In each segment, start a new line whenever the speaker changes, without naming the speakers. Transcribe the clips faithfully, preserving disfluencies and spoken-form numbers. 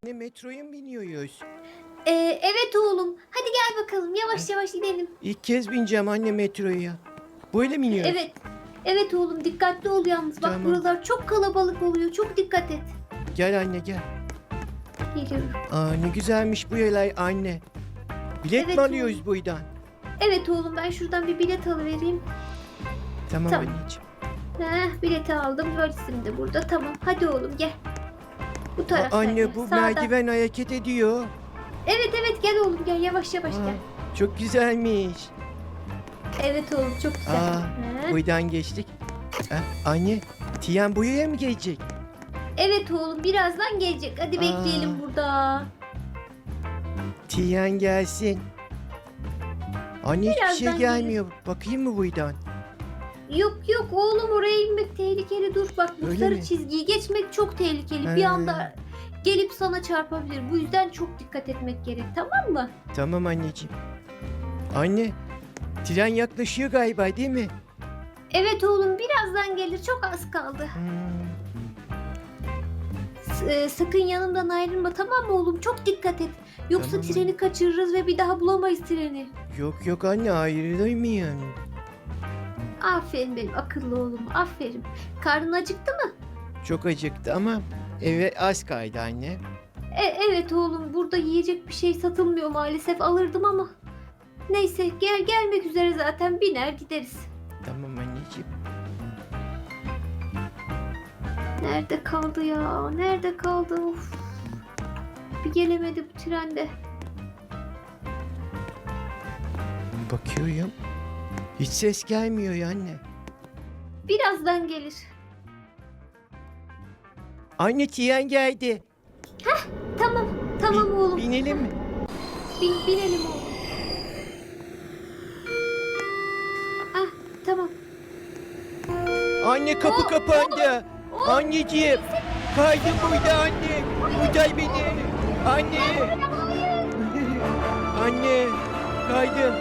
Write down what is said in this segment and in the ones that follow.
Ne metroya mı biniyoruz?
Ee, evet oğlum. Hadi gel bakalım. Yavaş yavaş gidelim.
İlk kez bineceğim anne metroya. Böyle mi iniyoruz?
Evet. Evet oğlum, dikkatli ol yalnız. Bak
Tamam.
buralar çok kalabalık oluyor. Çok dikkat et.
Gel anne gel.
Geliyorum.
Aa ne güzelmiş bu yerler anne. Bilet
Evet
mi alıyoruz
oğlum.
buradan?
Evet oğlum, ben şuradan bir bilet alıvereyim.
Tamam,
Tamam.
anneciğim.
Heh, bileti aldım. Polisim de burada. Tamam. Hadi oğlum gel. Bu
Aa,
taraftan gel.
anne bu
Sağdan.
merdiven hareket ediyor.
Evet evet, gel oğlum gel. Yavaş yavaş
Aa,
gel.
çok güzelmiş.
Evet oğlum, çok güzel.
Aa,
Heh.
buradan geçtik. Aa, anne Tiyan buraya mı gelecek?
Evet oğlum, birazdan gelecek. Hadi
Aa.
bekleyelim burada.
Tiyan gelsin. Anne hiçbir şey
Birazdan
gelmiyor. Bakayım mı buradan?
Yok yok oğlum, oraya inmek tehlikeli. Dur bak, bu
Öyle
sarı
mi?
çizgiyi geçmek çok tehlikeli.
He.
Bir anda gelip sana çarpabilir. Bu yüzden çok dikkat etmek gerek, tamam mı?
Tamam anneciğim. Anne tren yaklaşıyor galiba değil mi?
Evet oğlum, birazdan gelir. Çok az kaldı.
Hmm.
S- e, sakın yanımdan ayrılma, tamam mı oğlum? Çok dikkat et. Yoksa
Tamam
treni
anne.
kaçırırız ve bir daha bulamayız treni.
Yok yok anne ayrılır mıyım?
Aferin benim akıllı oğlum, aferin. Karnın acıktı mı?
Çok acıktı ama eve az kaydı anne.
E, evet oğlum, burada yiyecek bir şey satılmıyor maalesef, alırdım ama. Neyse, gel gelmek üzere zaten, biner gideriz.
Tamam anneciğim.
Nerede kaldı ya? Nerede kaldı? Of. Bir gelemedi bu trende.
Bakıyorum. Hiç ses gelmiyor ya anne.
Birazdan gelir.
Anne tren geldi.
Tamam, tamam
Bin-
oğlum.
Binelim mi?
Bin, binelim oğlum. Ah, tamam.
Anne kapı
Oo,
kapandı.
oo.
Anneciğim. Kaydım burada anne. Kurtar beni. Anne. Anne. Kaydım.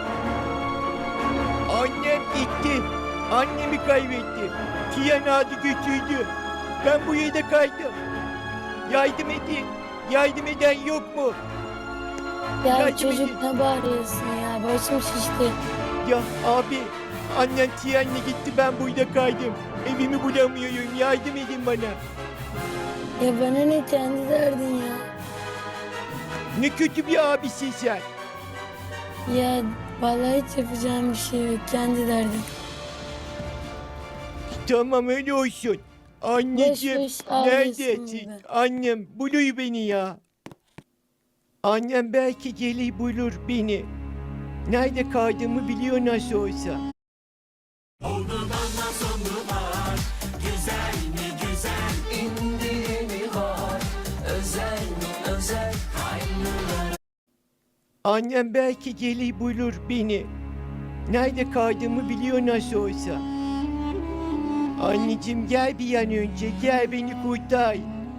Annem gitti. Annemi kaybettim. Tiyan adı götürdü. Ben bu yerde kaydım. Yardım edin. Yardım eden yok mu?
Ya
Yardım
çocuk
edin.
ne bağırıyorsun ya? Başım şişti.
Ya abi. Annem Tiyan'la gitti, ben burada kaydım. Evimi bulamıyorum. Yardım edin bana.
Ya bana ne kendi derdin ya?
Ne kötü bir abisin sen.
Ya vallahi hiç yapacağım bir şey yok. Kendi derdin.
Tamam öyle olsun. Anneciğim
Boş boş ağlıyorsun
neredesin?
burada.
Annem buluyor beni ya. Annem belki gelir bulur beni. Nerede kaldığımı biliyor nasıl olsa. Annem belki gelir bulur beni. Nerede kaldığımı biliyor nasıl olsa. Anneciğim gel bir an önce, gel beni kurtar.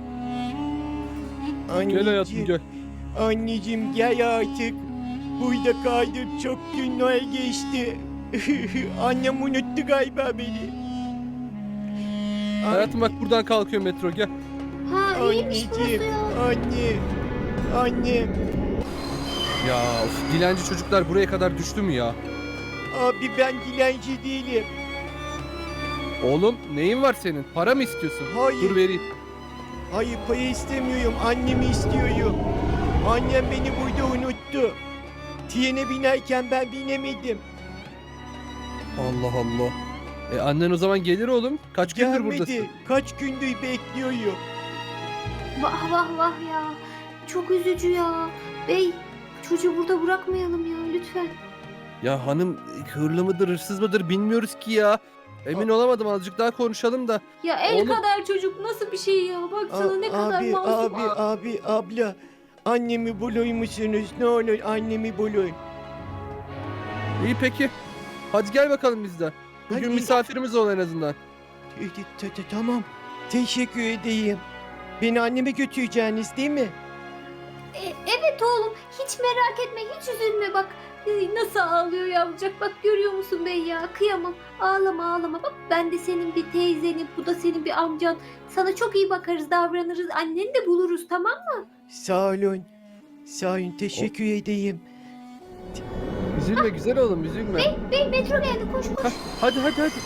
Gel hayatım gel.
Anneciğim gel artık. Burada kaldım, çok günler geçti. Annem unuttu galiba beni. Ay-
Hayatım bak buradan kalkıyor metro gel.
Ha, iyiymiş burası
Anneciğim,
ya.
anne, annem.
Ya of, dilenci çocuklar buraya kadar düştü mü ya?
Abi ben dilenci değilim.
Oğlum neyin var senin? Para mı istiyorsun?
Hayır.
Dur vereyim.
Hayır para istemiyorum, annemi istiyorum. Annem beni burada unuttu. Trene binerken ben binemedim.
Allah Allah. E annen o zaman gelir oğlum. Kaç gündür
Gelmedi.
buradasın?
Kaç gündür bekliyorum.
Vah vah vah ya. Çok üzücü ya. Bey, çocuğu burada bırakmayalım ya lütfen.
Ya hanım hırlı mıdır hırsız mıdır bilmiyoruz ki ya. Emin olamadım, azıcık daha konuşalım da.
Ya el
Oğlum-
kadar çocuk nasıl bir şey ya? Baksana
A-
ne kadar
abi,
masum.
abi, abi, abla. Annemi bulur musunuz? Ne olur annemi bulun.
İyi peki. Hadi gel bakalım biz de. Bugün
Hadi.
misafirimiz ol en azından.
T- t- t- Tamam. Teşekkür edeyim. Beni anneme götüreceğiniz değil mi?
E, evet oğlum, hiç merak etme, hiç üzülme bak. Ay, nasıl ağlıyor yavrucak, bak görüyor musun bey ya, kıyamam. Ağlama ağlama, bak ben de senin bir teyzenim, bu da senin bir amcan. Sana çok iyi bakarız, davranırız, anneni de buluruz, tamam mı?
Sağ olun. Sağ olun. Teşekkür edeyim.
Üzülme güzel oğlum üzülme.
Bey metro geldi, koş koş.
Hah, hadi hadi hadi.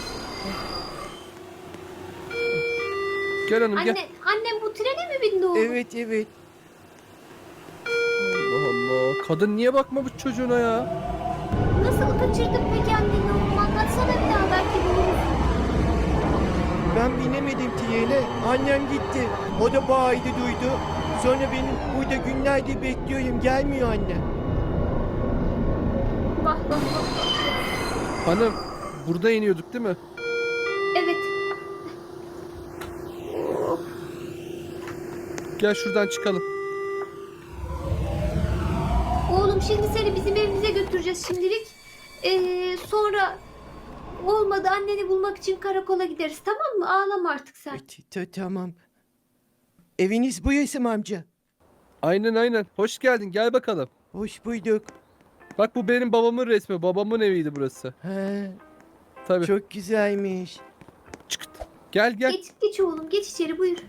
Gel hanım gel.
Anne, annem bu trene mi bindi oğlum?
Evet evet.
Allah Allah. Kadın niye bakma bu çocuğuna ya?
Nasıl kaçırdın peki anneni oğlum, anlatsana bir daha, belki buluruz.
Ben binemedim trene. Annem gitti. O da bağırdı duydu. Sonra benim burada günlerdir bekliyorum. Gelmiyor annem.
Vah vah vah vah.
Hanım burada iniyorduk değil mi?
Evet.
Gel şuradan çıkalım.
Oğlum şimdi seni bizim evimize götüreceğiz şimdilik. Ee, sonra olmadı, anneni bulmak için karakola gideriz, tamam mı? Ağlama artık sen.
Evet, ta- tamam. Eviniz burası mı amca?
Aynen aynen. Hoş geldin gel bakalım.
Hoş bulduk.
Bak bu benim babamın resmi. Babamın eviydi burası.
He,
Tabii.
çok güzelmiş.
Çıkıt. Gel gel.
Geç, geç oğlum, geç içeri, buyur.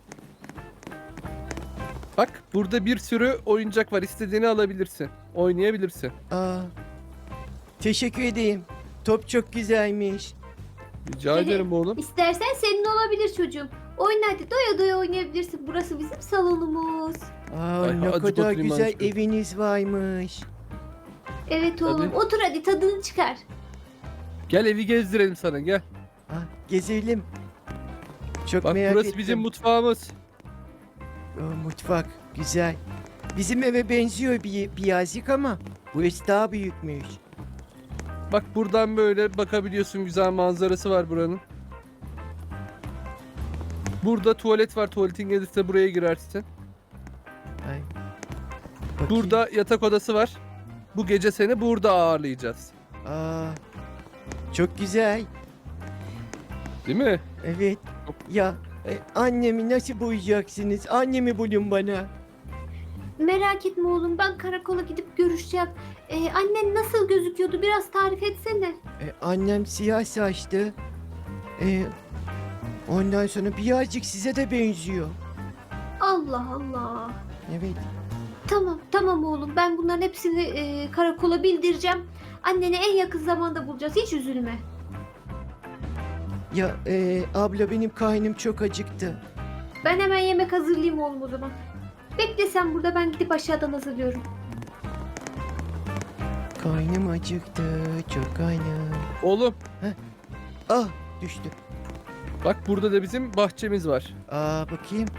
Bak burada bir sürü oyuncak var. İstediğini alabilirsin. Oynayabilirsin.
Aa, teşekkür edeyim. Top çok güzelmiş.
Rica
Evet.
ederim oğlum.
İstersen senin olabilir çocuğum. Oyna hadi, doya doya oynayabilirsin. Burası bizim salonumuz.
Aa,
Ay,
ne
azıcık
kadar
oturayım
güzel
azıcık.
eviniz varmış.
Evet oğlum,
Tabii.
otur hadi, tadını çıkar.
Gel evi gezdirelim sana gel.
Ah, gezelim. Çok
Bak
merak
burası
ettim.
bizim mutfağımız.
Aa, mutfak güzel. Bizim eve benziyor bir, birazcık ama burası daha büyükmüş.
Bak buradan böyle bakabiliyorsun. Güzel manzarası var buranın. Burada tuvalet var. Tuvaletin gelirse buraya girersin.
Ay. Bakayım.
Burada yatak odası var. Bu gece seni burada ağırlayacağız.
Aa, çok güzel.
Değil mi?
Evet. Ya e, annemi nasıl bulacaksınız? Annemi bulun bana.
Merak etme oğlum, ben karakola gidip görüşeceğim. Ee, annen nasıl gözüküyordu, biraz tarif etsene.
E, annem siyah saçlı. E, ondan sonra birazcık size de benziyor.
Allah Allah.
Evet.
Tamam tamam oğlum, ben bunların hepsini e, karakola bildireceğim. Anneni en yakın zamanda bulacağız, hiç üzülme.
Ya e, abla benim karnım çok acıktı.
Ben hemen yemek hazırlayayım oğlum o zaman. Bekle sen burada, ben gidip aşağıdan hazırlıyorum.
Karnım acıktı. Çok karnım.
Oğlum
Ah, düştü.
bak burada da bizim bahçemiz var.
Aa, bakayım.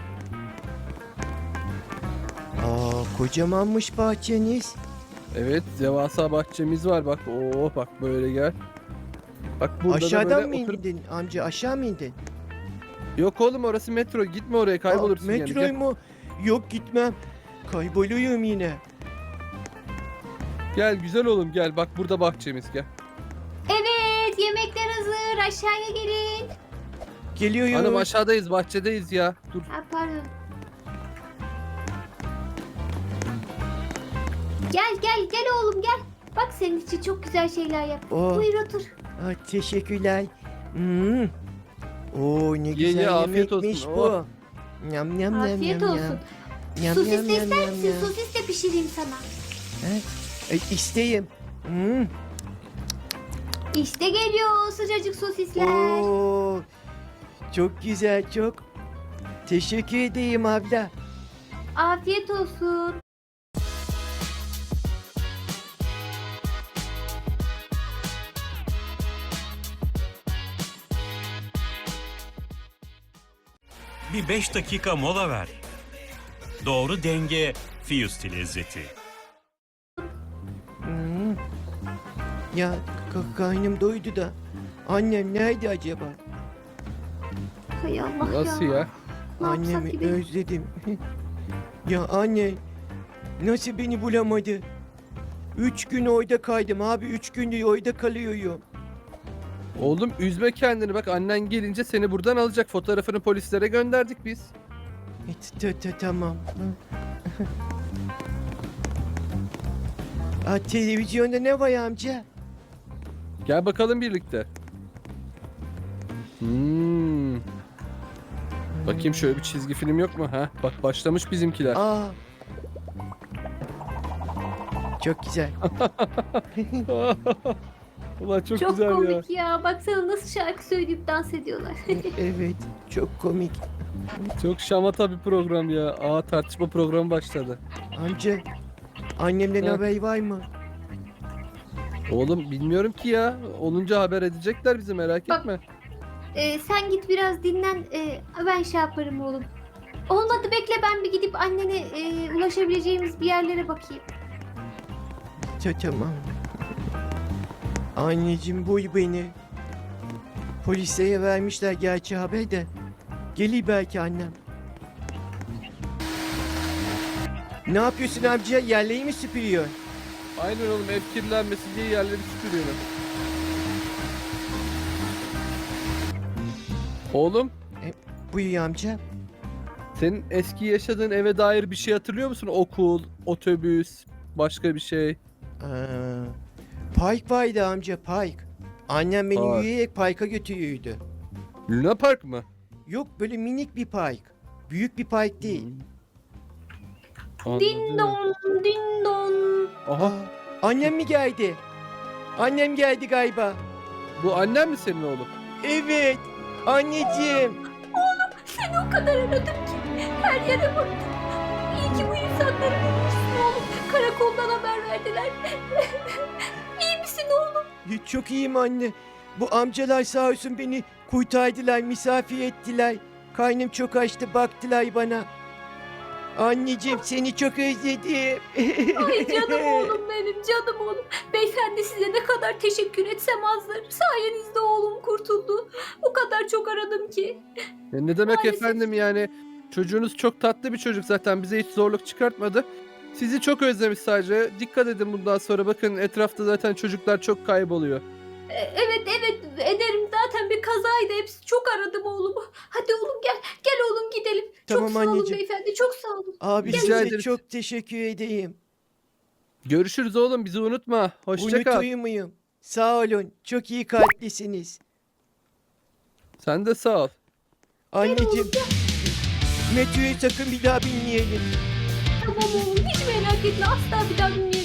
Aa, kocamanmış bahçeniz.
Evet devasa bahçemiz var. Bak oh bak böyle gel. Bak burada da
Aşağıdan
böyle
mı
oturup...
indin amca? Aşağı mı indin?
Yok oğlum orası metro. Gitme oraya kaybolursun
Aa,
yani.
metro
Gel,
mu? Yok gitmem. Kayboluyorum yine.
gel güzel oğlum gel. Bak burada bahçemiz gel.
Evet, yemekler hazır, aşağıya gelin.
Geliyorum.
Hanım aşağıdayız bahçedeyiz ya. Dur.
Ha, pardon. Gel gel gel oğlum gel. Bak senin için çok güzel şeyler yap.
Oh,
Buyur otur.
ah, teşekkürler. Hmm. Oo, ne
Ye,
güzel
ye, afiyet
yemekmiş
olsun.
bu.
Oh.
Yam yam
Afiyet
yam
olsun.
yam. Yam,
Sosis
yam,
de
yam,
ister
yam,
misin?
yam.
Sosis de pişireyim sana.
E, isteyim. Hmm.
İşte geliyor sıcacık sosisler.
Oo, çok güzel çok. Teşekkür edeyim abla.
Afiyet olsun.
Bir beş dakika mola ver. Doğru denge Fiyusti lezzeti.
Hmm. Ya k- karnım doydu da. Annem nerede acaba?
Hay Allah
Nasıl
ya.
ya?
Ne yapsak
Annemi
gibi?
özledim. Ya anne nasıl beni bulamadı? Üç gün orada kaydım abi. Üç gündür orada kalıyorum.
Oğlum üzme kendini bak annen gelince seni buradan alacak. Fotoğrafını polislere gönderdik biz.
E, ta- ta- tamam. Aa, televizyonda ne var amca?
Gel bakalım birlikte. Hmm. Bakayım şöyle bir çizgi film yok mu? Ha? Bak başlamış bizimkiler.
Aa. Çok güzel.
Ulan çok,
Çok
güzel ya.
komik ya. Baksana nasıl şarkı söyleyip dans ediyorlar.
Evet, çok komik.
Çok şamata bir program ya. Aa tartışma programı başladı.
Amca, annemden
Ha.
haber var mı?
Oğlum bilmiyorum ki ya. Olunca haber edecekler bizi, merak
Bak-
etme.
Ee, sen git biraz dinlen. Ee, ben şey yaparım oğlum. Olmadı bekle ben bir gidip annene e, ulaşabileceğimiz bir yerlere bakayım.
Ta- Tamam. Anneciğim buy beni. Polislere vermişler gerçi haber de. Gelir belki annem. Ne yapıyorsun amca? Yerleri mi süpürüyor?
Aynen oğlum, ev kirlenmesin diye yerleri süpürüyorum. Oğlum
Buyur amca.
senin eski yaşadığın eve dair bir şey hatırlıyor musun? Okul, otobüs, başka bir şey.
Aa, park vardı amca, park. Annem beni
Park.
yürüyerek parka götürüyordu.
Luna Park mı?
Yok, böyle minik bir park. Büyük bir park değil.
Anladım.
Din don, din don.
Aha,
Aa, annem mi geldi? Annem geldi galiba.
bu annen mi senin oğlum?
Evet. Anneciğim.
Seni o kadar aradım ki her yere baktım. İyi ki bu insanları bulmuşsun oğlum. Karakoldan haber verdiler. İyi misin oğlum?
Çok iyiyim anne. Bu amcalar sağ olsun beni kurtardılar, misafir ettiler. Karnım çok açtı, baktılar bana. Anneciğim seni çok özledim.
Ay canım oğlum benim, canım oğlum. Beyefendi size ne kadar teşekkür etsem azdır. Sayenizde oğlum kurtuldu. O kadar çok aradım ki.
Ya ne demek
Maalesef.
efendim yani? Çocuğunuz çok tatlı bir çocuk zaten, bize hiç zorluk çıkartmadı. Sizi çok özlemiş sadece. Dikkat edin bundan sonra, bakın etrafta zaten çocuklar çok kayboluyor.
E, Evet evet ederim, zaten bir kazaydı, hepsi çok aradım oğlumu. Hadi oğlum gel, gel oğlum gidelim.
Tamam
çok sağ olun
anneciğim.
beyefendi, çok sağ olun.
Abi
Rica
size
ederiz.
çok teşekkür edeyim.
Görüşürüz oğlum, bizi unutma. Hoşça kal.
Unutuyor muyum? Sağ olun. Çok iyi kalplisiniz.
Sen de sağ ol.
Anneciğim. Metroyu sakın bir daha binmeyelim.
Tamam oğlum, hiç merak etme, asla bir daha bilmeyeceğim.